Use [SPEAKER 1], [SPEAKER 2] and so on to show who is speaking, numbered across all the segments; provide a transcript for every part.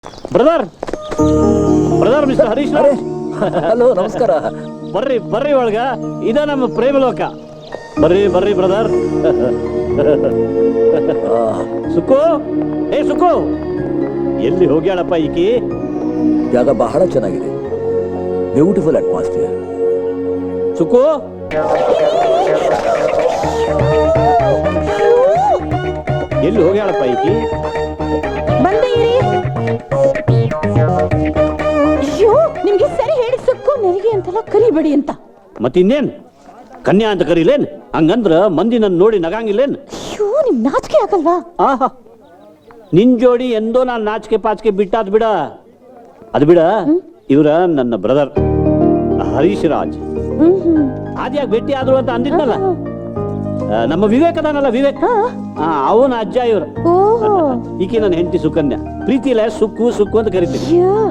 [SPEAKER 1] Brother brother mister Harish
[SPEAKER 2] hello ನಮಸ್ಕಾರ.
[SPEAKER 1] ಬರ್ರಿ ಬರ್ರಿ ಒಳಗ, ಇದ ನಮ್ಮ ಪ್ರೇಮಲೋಕ. ಬರ್ರಿ ಬರ್ರಿ ಬ್ರದರ್. ಸುಕ್ಕು, ಏ ಸುಕ್ಕು, ಎಲ್ಲಿ ಹೋಗ್ಯಾಳಪ್ಪ ಈಕಿ?
[SPEAKER 2] ಜಾಗ ಬಹಳ ಚೆನ್ನಾಗಿದೆ, ಬ್ಯೂಟಿಫುಲ್ ಅಟ್ಮಾಸ್ಫಿಯರ್.
[SPEAKER 1] ಸುಕ್ಕು, ಎಲ್ಲಿ ಹೋಗ್ಯಾಳಪ್ಪ ಈಕಿ?
[SPEAKER 3] ಅಯ್ಯೋ, ನಿಮ್ಗೆ ಸರಿ ಹೇಳಿ ಸುಕ್ಕು ನೆರಿಗೆ ಅಂತೆಲ್ಲ ಕರಿಬೇಡಿ ಅಂತ.
[SPEAKER 1] ಮತ್ತಿನ್ನೇನ್ ಕನ್ಯಾ ಅಂತ ಕರೀಲೇನ್? ಹಂಗಂದ್ರ ಮಂದಿ ನನ್ನ ನೋಡಿ ನಗಂಗಿಲ್ಲೇನ್?
[SPEAKER 3] ಅಯ್ಯೋ, ನಿಮ್ ನಾಚಿಕೆ ಆಗಲ್ವಾ?
[SPEAKER 1] ಆಹಾ, ನಿನ್ ಜೋಡಿ ಎಂದೋ ನಾನು ನಾಚಿಕೆ ಪಾಚಿಕೆ ಬಿಟ್ಟಾದ್ ಬಿಡ. ಅದು ಬಿಡ, ಇವ್ರ ನನ್ನ ಬ್ರದರ್ ಹರೀಶ್ ರಾಜ್. ಆದ್ಯಾಗ ಭೇಟಿ ಆದ್ರು ಅಂತ ಅಂದಿದ್ನಲ್ಲ, ನಮ್ಮ ವಿವೇಕ್ ಅದಾನಲ್ಲ, ವಿವೇಕ್, ಅವನ ಅಜ್ಜ ಇವ್ರು. ಈಕೆ ನನ್ನ ಹೆಂಡತಿ ಸುಕನ್ಯಾ. ಪ್ರೀತಿ ಇಲ್ಲ, ಸುಕ್ಕು ಸುಕ್ಕು ಅಂತ ಕರಿತೀನಿ.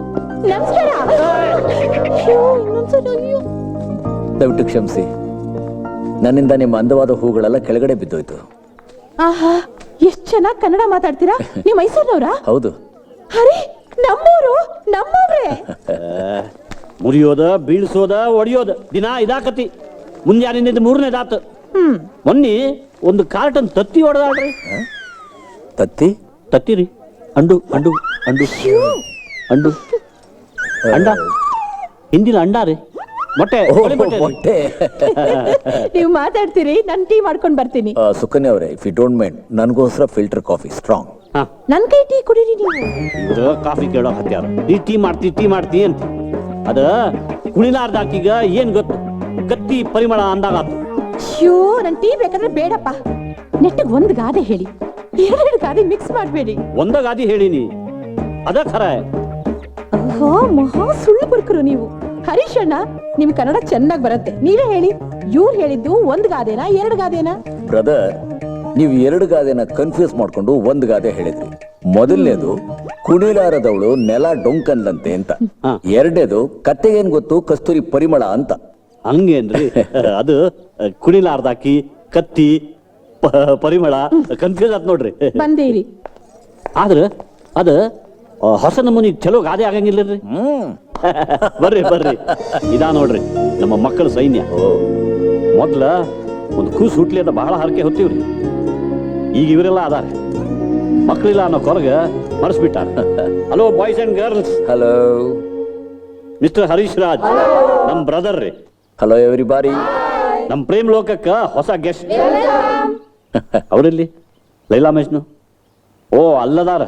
[SPEAKER 2] ದಯವಿಟ್ಟು ಕ್ಷಮಿಸಿ, ನನ್ನಿಂದ ನಿಮ್ಮ ಅಂದವಾದ ಹೂಗಳೆಲ್ಲ ಕೆಳಗಡೆ ಬಿದ್ದೋಯ್ತು.
[SPEAKER 3] ಆಹಾ, ಎಷ್ಟ್ ಚೆನ್ನಾಗಿ ಕನ್ನಡ ಮಾತಾಡ್ತೀರಾ. ನೀವು ಮೈಸೂರಿನವ್ರಾ?
[SPEAKER 2] ಹೌದು.
[SPEAKER 3] ಅರೆ, ನಮ್ಮೂರು, ನಮ್ಮವ್ರೆ.
[SPEAKER 1] ಮುರಿಯೋದ, ಬೀಳ್ಸೋದ, ಒಡಿಯೋದ ದಿನ ಇದಾಕತಿ. ಮುಂಜಾನಿಂದ ಮೂರನೇದಾತು. ಮೊನ್ನೆ ಒಂದು ಕಾರ್ಟನ್ ತತ್ತಿ ಹೊಡೆದಾಡ್ರಿ.
[SPEAKER 2] ತತ್ತಿ?
[SPEAKER 1] ತತ್ತಿರಿ, ಅಂಡು ಅಂಡು ಅಂಡು ಅಂಡು ಅಂಡ, ಹಿಂದಿನ ಅಂಡ ರೀ, ಮೊಟ್ಟೆ.
[SPEAKER 2] ಮೊಟ್ಟೆ.
[SPEAKER 3] ನೀವು ಮಾತಾಡ್ತೀರಿ, ನಾನು ಟೀ ಮಾಡ್ಕೊಂಡ್ ಬರ್ತೀನಿ.
[SPEAKER 2] ಸುಕನ್ಯಾ ಅವರೇ, ಇಫ್ ಯು ಡೋಂಟ್ ಮೈಂಡ್, ನನಗೋಸ್ಕರ ಫಿಲ್ಟರ್ ಕಾಫಿ ಸ್ಟ್ರಾಂಗ್.
[SPEAKER 3] ನನ್ ಕೈ ಟೀ ಕುಡೀರಿ ನೀವು.
[SPEAKER 1] ಇವ್ರು ಕಾಫಿ ಕೇಳೋ ಹತ್ಯಾರ. ಈ ಟೀ ಮಾಡ್ತಿ ಅಂತ. ಅದ ಕುಣಿಲಾರ್ದಾಕೀಗ ಏನ್ ಗೊತ್ತು, ಕತ್ತಿ ಪರಿಮಳ ಅಂದಾಗಾತು.
[SPEAKER 3] ಅಯ್ಯೋ, ನನ್ ಟೀ ಬೇಕಾದ್ರೆ ಬೇಡಪ್ಪ. ನೆಟ್ಟಿಗೆ ಒಂದ್ ಗಾದೆ ಹೇಳಿ, ಎರಡು ಗಾದೆ ಮಿಕ್ಸ್ ಮಾಡಬೇಡಿ.
[SPEAKER 1] ಒಂದ ಗಾದಿ ಹೇಳಿನಿ, ಅದ ಖರ.
[SPEAKER 3] ಮಹಾ ಸುಳ್ಳು ಬರ್ಕರು ನೀವು. ಹರೀಶ್ ಅಣ್ಣ, ನಿಮ್ ಕನ್ನಡ ಚೆನ್ನಾಗಿ ಬರುತ್ತೆ, ನೀವೇ ಹೇಳಿ. ಇವ್ರು ಹೇಳಿದ್ದು ಒಂದ್ ಗಾದೆನಾ ಎರಡು ಗಾದೆನಾ?
[SPEAKER 2] ಬ್ರದರ್, ನೀವು ಎರಡು ಗಾದೆನ ಕನ್ಫ್ಯೂಸ್ ಮಾಡ್ಕೊಂಡು ಒಂದ್ ಗಾದೆ ಹೇಳಿದ್ರಿ. ಮೊದಲನೇದು ಕುಣಿಲಾರದವಳು ನೆಲ ಡೊಂಕನ್ಲಂತೆ ಅಂತ. ಎರಡನೇದು ಕತ್ತೆಗೇನ್ ಗೊತ್ತು ಕಸ್ತೂರಿ ಪರಿಮಳ ಅಂತ.
[SPEAKER 1] ಹಂಗೇನ್ರಿ? ಅದು ಕುಣಿಲಾರ್ದಾಕಿ, ಕತ್ತಿ, ಪರಿಮಳ ಕನ್ಫ್ಯೂಸ್ ಆತ್ ನೋಡ್ರಿ.
[SPEAKER 3] ಬಂದೇರಿ.
[SPEAKER 1] ಆದ್ರ ಅದ ಹೊಸ ನಮೂನಿ ಚಲೋ ಗಾದೆ ಆಗಂಗಿಲ್ಲರಿ. ಬರ್ರಿ ಬರ್ರಿ, ಇದಾ ನೋಡ್ರಿ ನಮ್ಮ ಮಕ್ಕಳ ಸೈನ್ಯ. ಮೊದ್ಲ ಒಂದು ಕೂಸು ಹುಟ್ಲಿ ಅಂತ ಬಹಳ ಹರಕೆ ಹೊತ್ತೀವ್ರಿ. ಈಗ ಇವರೆಲ್ಲ ಅದಾರ, ಮಕ್ಕಳಿಲ್ಲ ಅನ್ನೋ ಕೊರಗ ಮರೆಸ್ಬಿಟ್ಟಾರ. Hello boys and girls.
[SPEAKER 2] Hello
[SPEAKER 1] mister Harish Raj, ನಮ್ ಬ್ರದರ್ ರೀ.
[SPEAKER 2] Hello everybody.
[SPEAKER 1] ನಮ್ ಪ್ರೇಮ್ ಲೋಕಕ್ಕ ಹೊಸ ಗೆಸ್ಟ್. ಅವರಲ್ಲಿ ಲೈಲಾ ಮಜ್ನು. ಓ, ಅಲ್ಲದಾರ.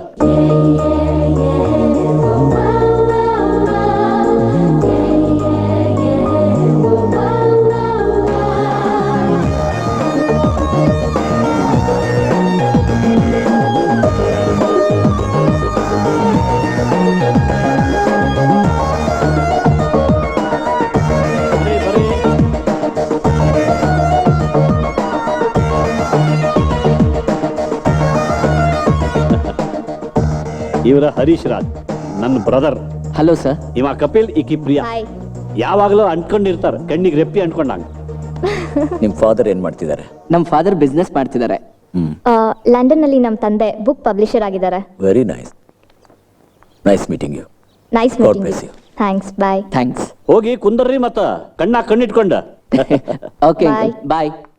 [SPEAKER 1] ಇವರ ಹರೀಶ್ ರಾಜ್, ನನ್ನ ಬ್ರದರ್.
[SPEAKER 4] Hello sir.
[SPEAKER 1] ಇವ ಕಪಿಲ್, ಈಕಿ ಪ್ರಿಯಾ. ಯಾವಾಗಲೂ ಅಂಟ್ಕೊಂಡಿರ್ತಾರ, ಕಣ್ಣಿಗೆ ರೆಪ್ಪಿ ಅಂಟ್ಕೊಂಡಂಗ.
[SPEAKER 2] ನಿಮ್ ಫಾದರ್ ಏನ್ ಮಾಡ್ತಿದ್ದಾರೆ?
[SPEAKER 4] ನಮ್ ಫಾದರ್ ಬಿಸ್ನೆಸ್ ಮಾಡ್ತಿದ್ದಾರೆ.
[SPEAKER 5] ಲಂಡನ್ ನಲ್ಲಿ ನಮ್ಮ ತಂದೆ ಬುಕ್ ಪಬ್ಲಿಷರ್ ಆಗಿದ್ದಾರೆ.
[SPEAKER 2] Very nice. Nice meeting you.
[SPEAKER 5] Nice meeting you. Thanks. Bye.
[SPEAKER 4] Thanks.
[SPEAKER 1] ಹೋಗಿ ಕುಂದರ್ರಿ, ಮತ್ತ ಕಣ್ಣಿಟ್ಕೊಂಡ.
[SPEAKER 4] Okay,
[SPEAKER 5] Bye.
[SPEAKER 4] ಬಾಯ್.